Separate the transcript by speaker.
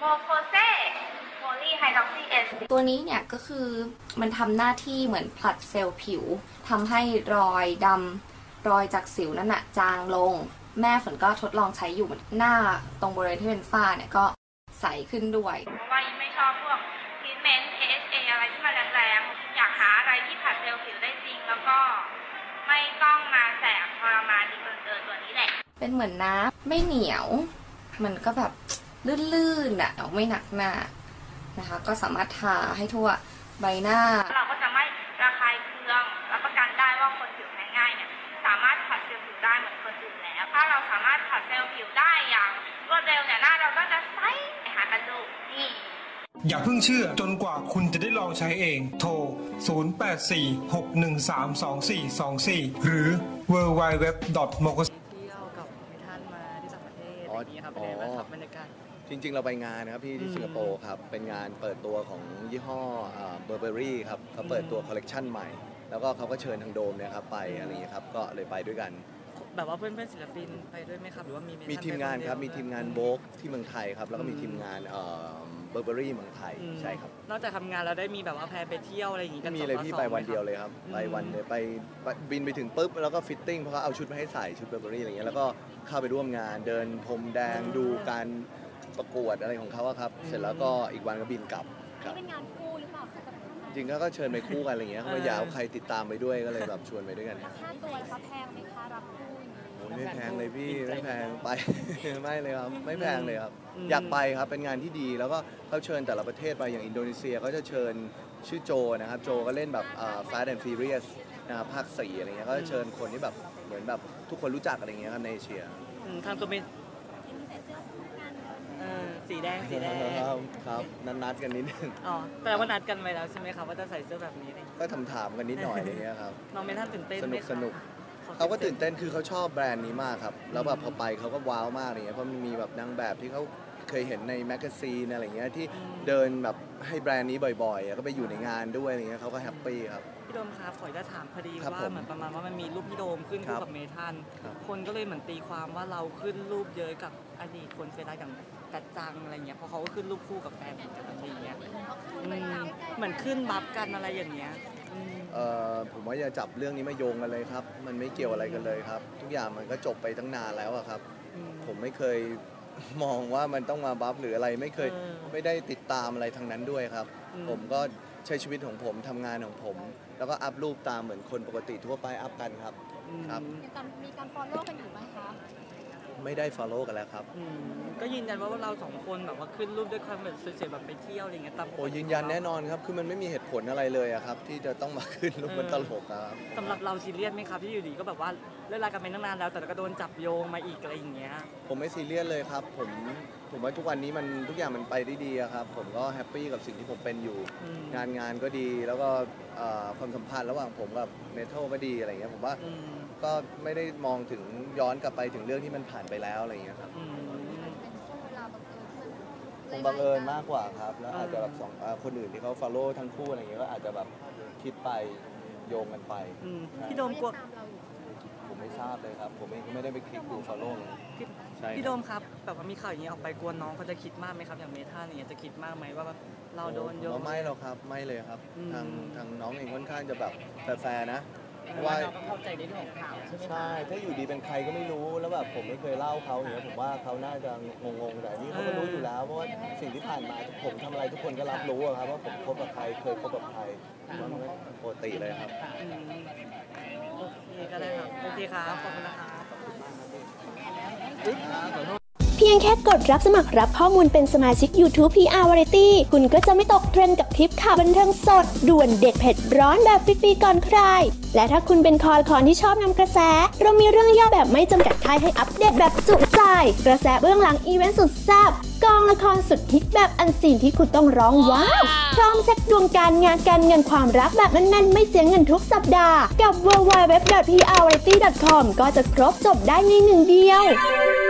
Speaker 1: โมโคเซโพลีไฮดรอกซีเอส
Speaker 2: ตัวนี้เนี่ยก็คือมันทำหน้าที่เหมือนผลัดเซลล์ผิวทำให้รอยดำรอยจากสิวนั่นน่ะจางลงแม่ฝนก็ทดลองใช้อยู่หน้าตรงบริเวณที่เป็นฝ้าเนี่ยก็ใสขึ้นด้วย
Speaker 1: เพราะว่ายิ่งไม่ชอบพวกทรีทเมนต์ AHA อะไรที่มันแรงๆอยากหาอะไรที่ผลัดเซลล์ผิวได้จริงแล้วก็ไม่ต้องมาแสบทรมานดีเกินตัวนี้แหละ
Speaker 2: เป็นเหมือนน้ำไม่เหนียวมันก็แบบลื่นๆอ่ะไม่หนักหน้านะคะก็สามารถทาให้ทั่วใบหน้า
Speaker 1: เราก็จะไม่ระคายเคืองรับประกันได้ว่าคนผิวแพ้ง่ายเนี่ยสามารถผัดเซลล์ผิวได้เหมือนคนอื่นแล้วถ้าเราสามารถผัดเซลล์ผิวได้อย่างรวดเร็วเนี่ยหน้าเราก็จะใสหากันดูนี่
Speaker 3: อย่าเพิ่งเชื่อจนกว่าคุณจะได้ลองใช้เองโทร 0846132424 หรือ www.mokos
Speaker 4: เที่ยวกับท่านมาที่ต่างประเทศอย่างนี้ครับเป็นไงบ้างครับบรรยากาศ
Speaker 5: จริงๆเราไปงานนะครับที่สิงคโปร์ครับเป็นงานเปิดตัวของยี่ห้อเบอร์เบอรี่ครับเขาเปิดตัวคอลเลกชันใหม่แล้วก็เขาก็เชิญทางโดมเนี่ยครับไปอะไรอย่างเงี้ยครับก็เลยไปด้วยกัน
Speaker 4: แบบว่าเพื่อนศิลปินไปด้วยไหมครับหรือว่า
Speaker 5: มีทีมงานครับมีทีมงานโบกที่เมืองไทยครับแล้วก็มีทีมงานเบอร์เบอรี่เมืองไทยใช่ครับ
Speaker 4: นอกจากทำงานแล้วได้มีแบบว่าแพลนไปเที่ยวอะไรอย่างงี้กัน
Speaker 5: มีเลยพี่ไปวันเดียวเลยครับไปวันเดียวไปบินไปถึงปุ๊บแล้วก็ฟิตติ้งเพราะเขาเอาชุดมาให้ใส่ชุดเบอร์เบอรี่อะไรเงี้ยแล้วก็เข้าไปร่วมงานเดินพรมแดงดูการประกวดอะไรของเขาครับเสร็จแล้วก็อีกวันก็บินกลับ
Speaker 6: ครับเป็นงานคู่หรือเปล่าคะ
Speaker 5: จริงก็เชิญไปคู่กันอะไรเงี้ยเขาอยากเอาใครติดตามไปด้วยก็เลยแบบชวนไปด้วยกัน
Speaker 6: ค่าตัวแล้วแพงไหมคะรับคู่
Speaker 5: ไม่แพงเลยพี่ไม่แพงไปไม่เลยครับไม่แพงเลยครับอยากไปครับเป็นงานที่ดีแล้วก็เขาเชิญแต่ละประเทศไปอย่างอินโดนีเซียเขาจะเชิญชื่อโจนะครับโจก็เล่นแบบ Fast and Furious นะครับภาค4อะไรเงี้ยก็จะเชิญคนที่แบบเหมือนแบบทุกคนรู้จักอะไรเงี้ยครับในเอเชีย
Speaker 4: ทางตัวเป็นสีแดง
Speaker 5: ครับนัดกันนิดนึง
Speaker 4: อ๋อแต่ว่านัดกันไว้แล้วใช่ไหมครับว่าจะใส่เสื้อแบบนี้
Speaker 5: ก็ถามกันนิดหน่อยอะไรเงี้ยครับ
Speaker 4: น้องเมทันตื่นเต้นไหม
Speaker 5: สนุกเขาก็ตื่นเต้นคือเขาชอบแบรนด์นี้มากครับแล้วแบบพอไปเขาก็ว้าวมากอะไรเงี้ยเพราะมันมีแบบนางแบบที่เขาเคยเห็นในแมกกาซีนอะไรเงี้ยที่เดินแบบให้แบรนด์นี้บ่อยๆก็ไปอยู่ในงานด้วยอะไรเงี้ยเขาก็แฮปปี้ครับ
Speaker 4: พี่โดมครับขอจะถามพอดีว่าเหมือนประมาณว่ามันมีรูปพี่โดมขึ้นคู่กับเมทันคนก็เลยเหมือนตีความว่าเราขึ้นรูปเยอะกับอดีตคนเคยได้อย่างกัดจังอะไรเงี้ยเพราะเขาก็ขึ้นรูปคู่กับแฟนกันอะไรเงี้ยเหมือนขึ้นบัฟกันอะไรอย่างเงี้ย
Speaker 5: ผมว่าอย่าจับเรื่องนี้มาโยงกันเลยครับมันไม่เกี่ยวอะไรกันเลยครับทุกอย่างมันก็จบไปตั้งนานแล้วครับผมไม่เคยมองว่ามันต้องมาบัฟหรืออะไรไม่ได้ติดตามอะไรทางนั้นด้วยครับผมก็ใช้ชีวิตของผมทำงานของผมแล้วก็อัพรูปตามเหมือนคนปกติทั่วไปอัพกันครับ
Speaker 6: มีการ follow กันอยู่ไหมคะ
Speaker 5: ไม่ได้ follow กันแล้วครับ
Speaker 4: ก็ยืนยันว่าเราสองคนแบบว่าขึ้นรูปด้วยความแบบสวยๆแบบไปเที่ยวอะไรเงี้ยตาม
Speaker 5: โอ้ยืนยันแน่นอนครับคือมันไม่มีเหตุผลอะไรเลยครับที่จะต้องมาขึ้นรูปมันตลกครับ
Speaker 4: สำหรับเราซีเรียสไหมครับที่อยู่ดีก็แบบว่าเลิกรากันไปตั้งนานแล้วแต่ก็โดนจับโยงมาอีกอะไรอย่างเงี้ย
Speaker 5: ผมไม่ซีเรียสเลยครับผมว่าทุกวันนี้มันทุกอย่างมันไปได้ดีครับผมก็แฮปปี้กับสิ่งที่ผมเป็นอยู่งานก็ดีแล้วก็ความสัมพันธ์ระหว่างผมกับเมทัลก็ดีอะไรเงี้ยผมว่าก็ไม่ได้มองถึงย้อนกลับไปถึงเรื่องที่มันผ่านไปแล้วอะไรเงี้ยครับคงบังเอิญมากกว่าครับแล้วอาจจะแบบคนอื่นที่เขา follow ทั้งคู่อะไรเงี้ยก็อาจจะแบบคิดไปโยงกันไป
Speaker 4: พี่โดมกลัว
Speaker 5: ผมไม่ทราบเลยครับผมเองก็ไม่ได้ไปคลิกดู follow เลย
Speaker 4: พี่โดมครับแบบว่ามีข่าวอย่างนี้ออกไปกลัวน้องเขาจะคิดมากไหมครับอย่างเมทัลเนี่ยจะคิดมากไหมว่าเราโดนโยง
Speaker 5: ไม่หรอกครับไม่เลยครับทางน้องเองค่อนข้างจะแบบแฟร์นะว่า
Speaker 4: เข้าใจในเรื่องของข่าว
Speaker 5: ใช่ถ้าอยู่ดีเป็นใครก็ไม่รู้แล้วแบบผมไม่เคยเล่าเขาอย่างเงี้ยผมว่าเขาน่าจะงงๆแต่นี่เขาก็รู้อยู่แล้วเพราะว่าสิ่งที่ผ่านมาผมทำอะไรทุกคนก็รับรู้ครับว่าผมคบกับใครเคยคบกับใครว่ามันปกติเลยครับ
Speaker 4: โอเคก็ได้ครับโอเคครับขอบคุณนะครับ
Speaker 7: เพียงแค่กดรับสมัครรับข้อมูลเป็นสมาชิก YouTube PR Variety คุณก็จะไม่ตกเทรนด์กับทริปข่าวบันเทิงสดด่วนเด็ดเผ็ดร้อนแบบฟรีๆก่อนใครและถ้าคุณเป็นคอที่ชอบนำกระแสเรามีเรื่องย่อแบบไม่จำกัดท้ายให้อัปเดตแบบจุใจกระแสเบื้องหลังอีเวนต์สุดแซ่บกองละครสุดฮิตแบบอันซีนที่คุณต้องร้องว้าวพร้อมเช็คดวงการงานการเงินความรักแบบแน่นๆไม่เสียเงินทุกสัปดาห์กับ www.prvariety.com ก็จะครบจบได้ในหนึ่งเดียว